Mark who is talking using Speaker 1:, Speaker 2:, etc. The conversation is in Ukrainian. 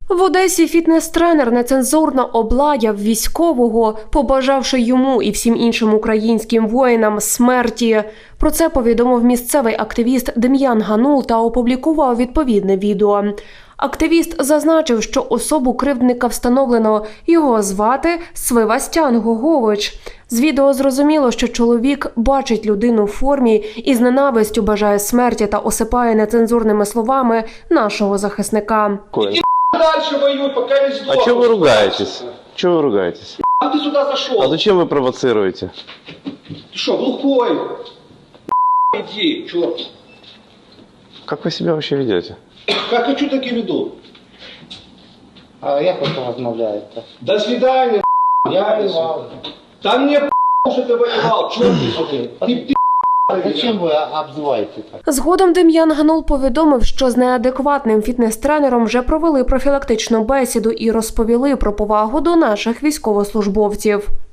Speaker 1: В Одесі фітнес-тренер нецензурно облаяв військового, побажавши йому і всім іншим українським воїнам смерті. Про це повідомив місцевий активіст Дем'ян Ганул та опублікував відповідне відео. Активіст зазначив, що особу кривдника встановлено. Його звати Свивастян Гогович. З відео зрозуміло, що чоловік бачить людину в формі і з ненавистю бажає смерті та осипає нецензурними словами нашого захисника.
Speaker 2: Дальше воюй, пока не сдохнешь.
Speaker 3: А что вы ругаетесь? Чего вы ругаетесь?
Speaker 2: Ты сюда зашел.
Speaker 3: А зачем вы провоцируете?
Speaker 2: Ты что, глухой? Иди, черт.
Speaker 3: Как вы себя вообще ведете?
Speaker 2: Как хочу, так и веду.
Speaker 4: А як ви розмовляєте?
Speaker 2: До свидания, я воевал. Да мне что ты воевал, черт ты.
Speaker 4: Зачем ви обзиваєте так?
Speaker 1: Згодом Дем'ян Ганул повідомив, що з неадекватним фітнес-тренером вже провели профілактичну бесіду і розповіли про повагу до наших військовослужбовців.